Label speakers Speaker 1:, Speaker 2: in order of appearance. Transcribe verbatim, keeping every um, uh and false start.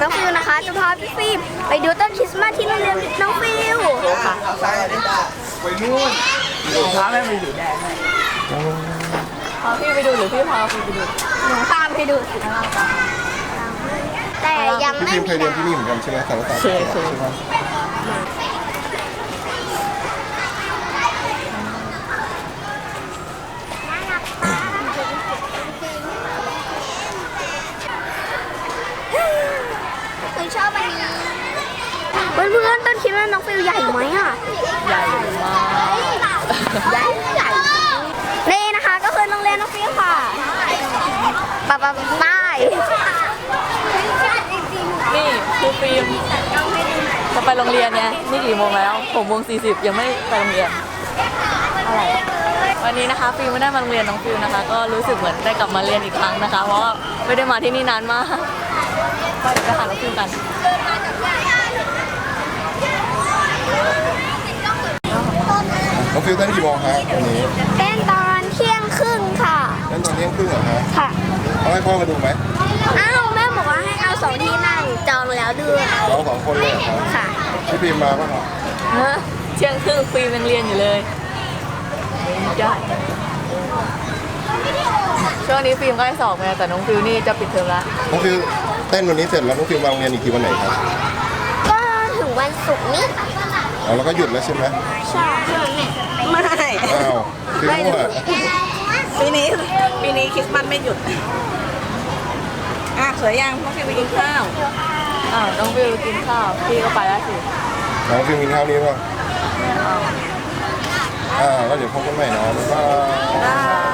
Speaker 1: น้องฟิวนะคะจะพาพี่ฟิล์มไปดูต้นคริสต์มาสที่โรงเรียนน้องฟิวค่ะ
Speaker 2: ไปนู่นดูพาแม่ไปอยู่แดงพาพี่ไปดูหรือพี่พาพี่ไปดู
Speaker 1: หนูตามไปดูสิแต่ยังไม่
Speaker 3: พี่พิมเคยเรียนที่นี่เหมือนกันใช่ไหมสารศาสตร์ใช่ไหม
Speaker 1: คือชอบอันนี้เพื่อนๆต้นคริสต์มาสน้องฟิวใหญ่ไหมอ่ะ
Speaker 2: ใหญ่มาก
Speaker 1: ใหญ่ใหญ่นี่นะคะก็คือโรงเรียนน้องฟิวค่ะปะปะใต้
Speaker 2: นี่ครูฟิล์มจะไปโรงเรียนไงนี่กี่โมงแล้วหกโมงสี่สิบยังไม่ไปโรงเรียนอะไรวันนี้นะคะฟิล์มไม่ได้มาโรงเรียนน้องฟิล์มนะคะ ก็รู้สึกเหมือนได้กลับมาเรียนอีกครั้งนะคะ เพราะว่าไม่ได้มาที่นี่นานมากไปเดี๋ยวไปหาน้องฟิล์มกัน
Speaker 3: น้องฟิวเต้นกี่โมงฮะวันนี้
Speaker 1: เต้นตอนเที่ยงครึ่งค่ะ
Speaker 3: เต้นตอนเที่ยงครึ่งเหรอฮะ
Speaker 1: ค่ะ
Speaker 3: เอาให้พ่อมาดูไหม
Speaker 1: อ้าวแม่บอกว่าให้เอาสองที่นั่งจองแล้วด้วย
Speaker 3: เราสองคนเลยเหรอครับ
Speaker 1: ค่ะ
Speaker 3: พี่พิมมาป่ะครับ
Speaker 2: ฮะเที่ยงครึ่งฟิล์มยังเรียนอยู่เลยได้ช่วงนี้ฟิล์มก็ได้สอบไงแต่น้องฟิลนี่จะปิดเทอมละ
Speaker 3: น้องฟิวเต้นวันนี้เสร็จแล้วน้องฟิวมาโรงเรียนอีกทีวันไหนครับ
Speaker 1: ก็ถึงวันศุกร์นี้
Speaker 3: เอาแล้วก็หยุดแล้วใช่ไหม
Speaker 1: ใช่
Speaker 4: ไม่
Speaker 3: อ้าวฟิวอ่ะ
Speaker 4: ปีนี้ปีนี้คริสต์มาสไม่หยุด อ่ะสวยยังต้องไปกินข้าว
Speaker 2: อ้าวน้องฟิลกินข้าวพี่ก็ไปแล้วสิ
Speaker 3: น้องฟิวกินข้าวนี้ป่ะอ่าแล้วเดี๋ยวพบกันใหม่นะบ๊ายบาย
Speaker 4: บ๊ายบาย